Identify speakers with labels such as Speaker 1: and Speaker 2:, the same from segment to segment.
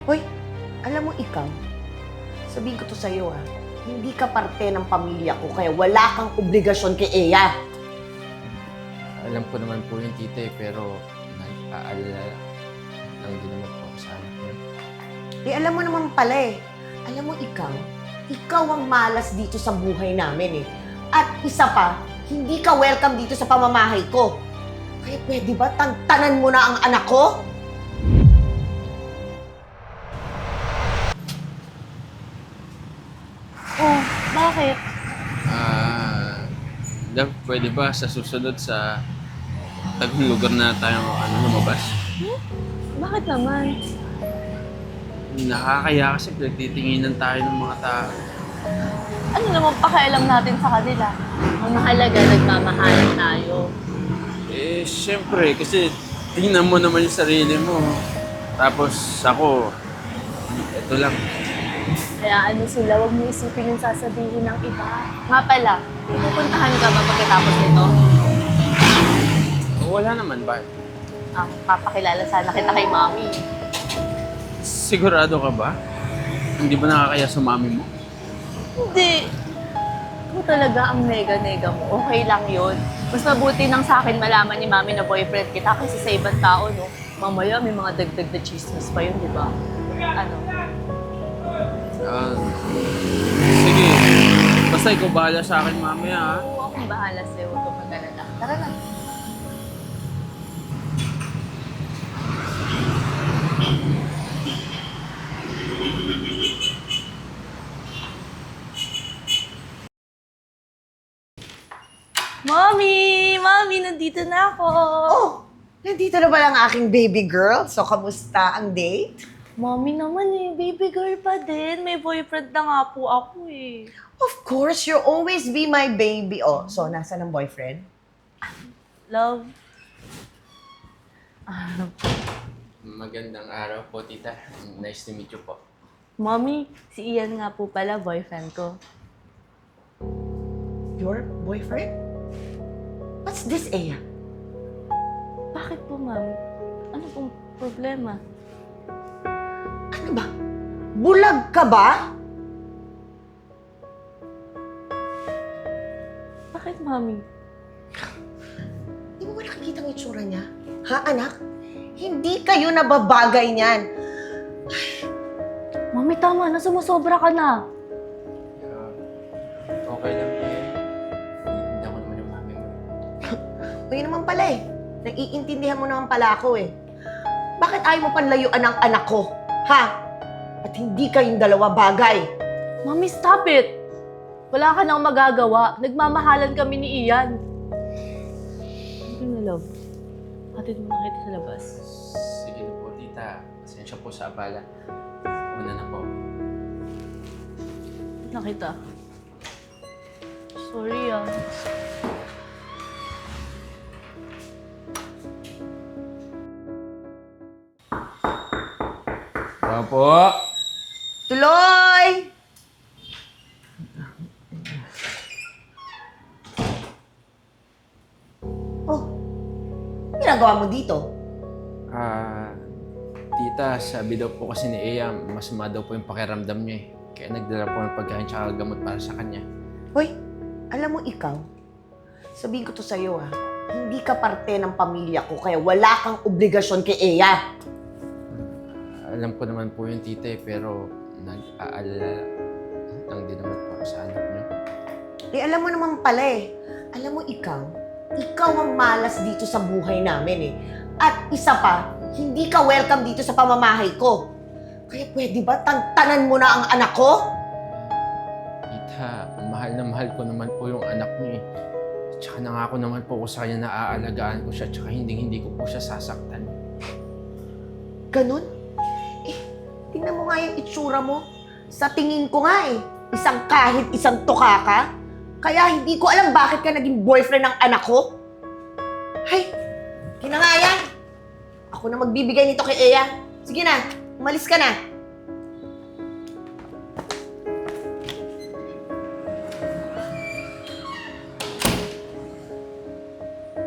Speaker 1: Hoy, alam mo ikaw, sabihin ko to sa'yo hindi ka parte ng pamilya ko kaya wala kang obligasyon kay Eya.
Speaker 2: Alam ko naman po yung tita pero nag-aalala lang din naman po ako sa anak niya.
Speaker 1: Alam mo naman pala Alam mo ikaw ang malas dito sa buhay namin At isa pa, hindi ka welcome dito sa pamamahay ko. Kaya pwede ba tantanan mo na ang anak ko?
Speaker 3: Oh, bakit?
Speaker 2: Pwede ba sa susunod sa tagong lugar na tayo lumabas?
Speaker 3: Bakit naman?
Speaker 2: Nakakaya kasi pinagtitinginan tayo ng mga tao.
Speaker 3: Ano naman pakialam natin sa kanila? Ang mahalaga, nagmamahalan tayo.
Speaker 2: Siyempre, kasi tingnan mo naman yung sarili mo. Tapos ako, ito lang.
Speaker 3: Kaya sila, huwag mo isipin yung sasabihin ng iba. Nga pala, pupuntahan ka ba pagkatapos nito?
Speaker 2: Wala naman ba?
Speaker 3: Papakilala sana kita kay Mami.
Speaker 2: Sigurado ka ba? Hindi ba nakakaya sa mami mo?
Speaker 3: Hindi. Kung talaga ang nega-nega mo, okay lang yun. Mas mabuti nang sa akin malaman ni Mami na boyfriend kita kasi sa ibang tao, no? Mamaya may mga dagdag na chismis pa yun, di ba?
Speaker 2: Sige. Basta ikaw bahala sa akin mamaya, ha?
Speaker 3: Oo, akong bahala sa'yo. Huwag kang mag-alala. Tara na. Mommy! Mommy, nandito na ako!
Speaker 1: Oh, nandito na ba ang aking baby girl? So, kamusta ang date?
Speaker 3: Mommy naman baby girl pa din. May boyfriend na nga po ako
Speaker 1: Of course, you'll always be my baby. Oh, so nasaan ang boyfriend?
Speaker 3: Love.
Speaker 2: Magandang araw po, tita. Nice to meet you po.
Speaker 3: Mommy, si Ian nga po pala, boyfriend ko.
Speaker 1: Your boyfriend? What's this, Eya?
Speaker 3: Bakit po, Mami? Ano pong problema?
Speaker 1: Ano ba? Bulag ka ba?
Speaker 3: Bakit, Mami?
Speaker 1: Di mo ba nakikita ang itsura niya? Ha, anak? Hindi kayo nababagay niyan.
Speaker 3: Mami, tama na. Sumusobra ka na.
Speaker 2: Okay lang po yan. Hindi ako naman yung mami mo.
Speaker 1: Kaya naman pala Naiintindihan mo naman pala ako Bakit ayaw mo panlayuan ang anak ko? Ha? At hindi kayong dalawa bagay.
Speaker 3: Mami, stop it! Wala ka nang magagawa. Nagmamahalan kami ni Ian. Ano na, love? Hatid mo na kita sa labas.
Speaker 2: Sige na po, tita. Pasensya po sa abala. Una na po.
Speaker 3: Nakita. Sorry
Speaker 2: Po.
Speaker 1: Tuloy! Oh, ginagawa mo dito?
Speaker 2: Tita, sabi daw po kasi ni Eya, masama daw po yung pakiramdam niya Kaya nagdala po ng pagkain tsaka gamot para sa kanya.
Speaker 1: Hoy, alam mo ikaw, sabihin ko to sa'yo hindi ka parte ng pamilya ko kaya wala kang obligasyon kay Eya.
Speaker 2: Alam ko naman po yung tita pero nag-aalala lang din naman po ako sa anak niya.
Speaker 1: Alam mo naman pala Alam mo ikaw ang malas dito sa buhay namin At isa pa, hindi ka welcome dito sa pamamahay ko. Kaya pwede ba tantanan mo na ang anak ko?
Speaker 2: Tita, mahal na mahal ko naman po yung anak niya Tsaka nangako naman po ko sa kanya na aalagaan ko siya tsaka hindi ko po siya sasaktan.
Speaker 1: Ganun? Tingnan mo nga yung itsura mo. Sa tingin ko nga kahit isang tuka ka. Kaya hindi ko alam bakit ka naging boyfriend ng anak ko. Hay, kinangaya. Ako na magbibigay nito kay Eya. Sige na, umalis ka na.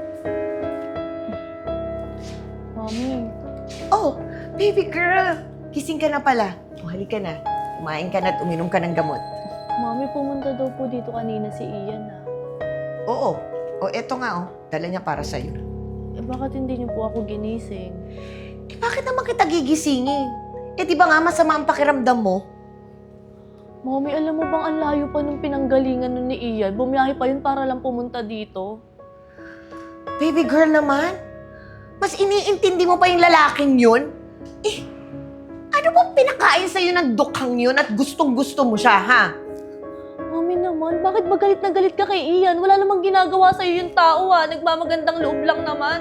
Speaker 3: Mami.
Speaker 1: Oh, baby girl. gising ka na pala. O, halika na. Kumain ka na at uminom ka ng gamot.
Speaker 3: Mami, pumunta daw po dito kanina si Ian
Speaker 1: Oo. O, eto nga, dala niya para sa'yo.
Speaker 3: bakit hindi niyo po ako ginising?
Speaker 1: Bakit naman kita gigisingin? Di ba nga masama ang pakiramdam mo?
Speaker 3: Mami, alam mo bang ang layo pa nung pinanggalingan nun ni Ian? Bumiyahe pa yun para lang pumunta dito.
Speaker 1: Baby girl naman, mas iniintindi mo pa yung lalaking yun? Ano bang pinakain sa'yo ng dukhang yun at gustong-gusto mo siya, ha?
Speaker 3: Mami naman, bakit ba galit na galit ka kay Ian? Wala namang ginagawa sa'yo yung tao Nagmamagandang loob lang naman.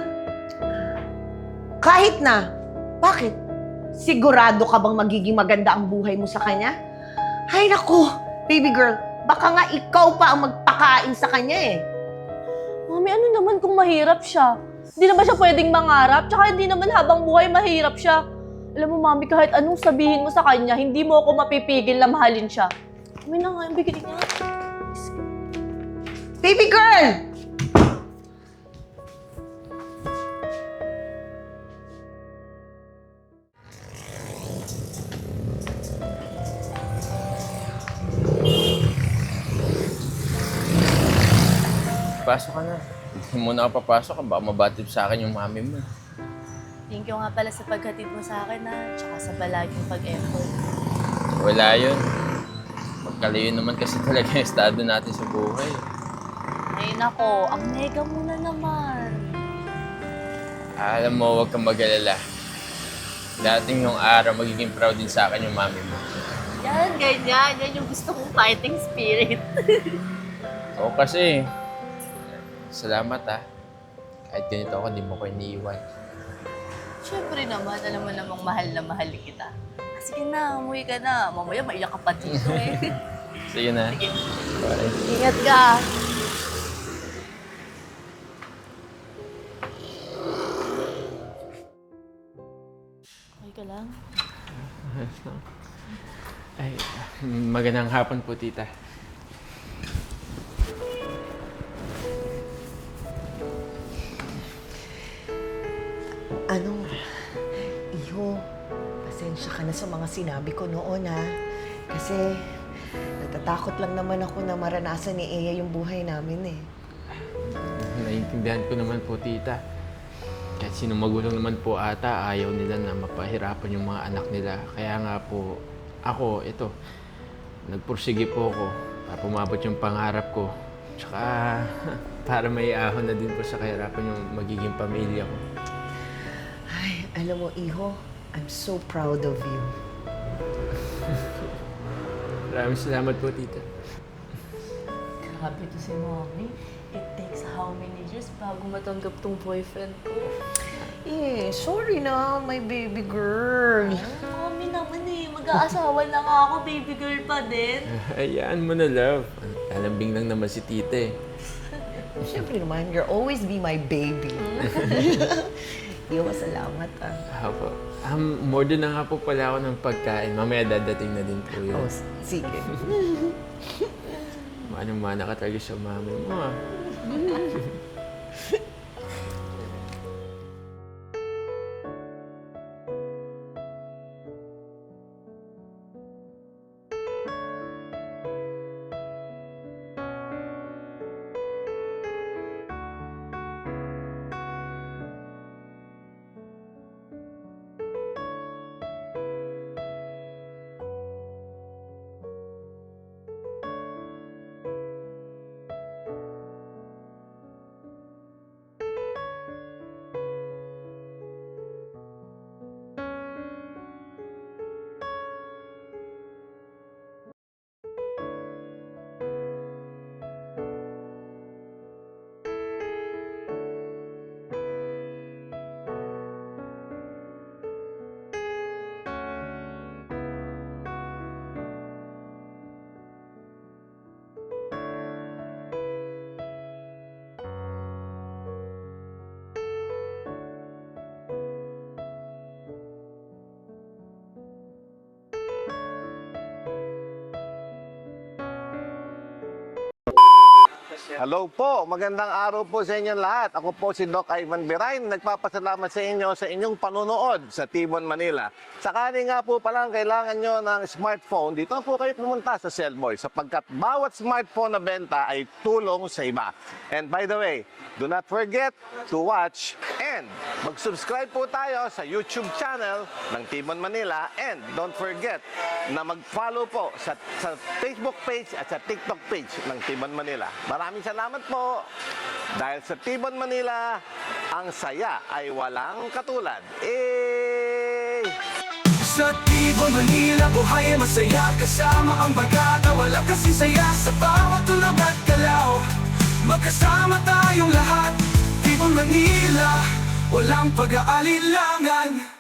Speaker 1: Kahit na. Bakit? Sigurado ka bang magiging maganda ang buhay mo sa kanya? Ay naku, baby girl, baka nga ikaw pa ang magpakain sa kanya
Speaker 3: Mami, ano naman kung mahirap siya? Hindi naman siya pwedeng mangarap, tsaka hindi naman habang buhay mahirap siya. Alam mo, Mami, kahit anong sabihin mo sa kanya, hindi mo ako mapipigil na mahalin siya. Mami na nga, bigyan niya.
Speaker 1: Baby girl!
Speaker 2: Pasok ka na. Hindi mo na ako papasok, baka mabatid sa akin yung mami mo.
Speaker 3: Thank you nga pala sa paghatid mo sa akin tsaka sa palaging pag-effort.
Speaker 2: Wala yun. Magkalayo naman kasi talaga yung estado natin sa buhay.
Speaker 3: Ay nako, ang nega mo na naman.
Speaker 2: Alam mo, huwag kang mag-alala. Dating yung araw, magiging proud din sa akin yung mami mo.
Speaker 3: Yan, ganyan. Yan yung gusto kong fighting spirit.
Speaker 2: Oo kasi, salamat Kahit ganito ako, di mo ko iniiwan.
Speaker 3: Siyempre naman, alam mo namang mahal na mahal kita. Sige na, umuwi ka na. Mamaya maiyak ka pa dito
Speaker 2: Sige na.
Speaker 3: Sige.
Speaker 2: Bye.
Speaker 3: Ingat ka. Okay ka lang?
Speaker 2: Ay, magandang hapon po, tita.
Speaker 1: Iho, pasensya ka na sa mga sinabi ko noon, Kasi, natatakot lang naman ako na maranasan ni Eya yung buhay namin,
Speaker 2: Naiintindihan ko naman po, tita. Kahit sino magulang naman po ata, ayaw nila na mapahirapan yung mga anak nila. Kaya nga po, ako, nagpursige po ako para pumabot yung pangarap ko. Tsaka, para may ahon na din po sa kahirapan yung magiging pamilya ko.
Speaker 1: Ay, alam mo, Iho, I'm so proud of you.
Speaker 2: Maraming salamat po, tita.
Speaker 3: Grabe to si Mommy. It takes how many years bago matanggap tong boyfriend ko?
Speaker 1: Sorry na, my baby girl.
Speaker 3: Mommy naman mag-aasawa na nga ako, baby girl pa din.
Speaker 2: Hayaan mo na, love. Alambing lang naman si tita
Speaker 1: Siyempre naman, you'll always be my baby. Iho, salamat,
Speaker 2: Apo. More din na nga po pala ako ng pagkain. Mamaya dadating na din po yun.
Speaker 1: Sige.
Speaker 2: Manang-mana ka talaga sa mami mo,
Speaker 4: Hello po, magandang araw po sa inyong lahat. Ako po si Doc Ivan Birain, nagpapasalamat sa inyo sa inyong panunood sa Tibon, Manila. Sakali nga po palang kailangan nyo ng smartphone, dito po kayo pumunta sa Cellboy sapagkat bawat smartphone na benta ay tulong sa iba. And by the way, do not forget to watch and mag-subscribe po tayo sa YouTube channel ng Tibon, Manila. And don't forget na mag-follow po sa Facebook page at sa TikTok page ng Tibon, Manila. Maraming salamat po. Dahil sa Tibon, Manila, ang saya ay walang katulad.
Speaker 5: Sa Tibon, Manila, buhay ay masaya. Kasama ang bagata, wala kasi saya. Sa bawat tulog at galaw, magkasama tayong lahat. Tibon, Manila, walang pag-aalilangan.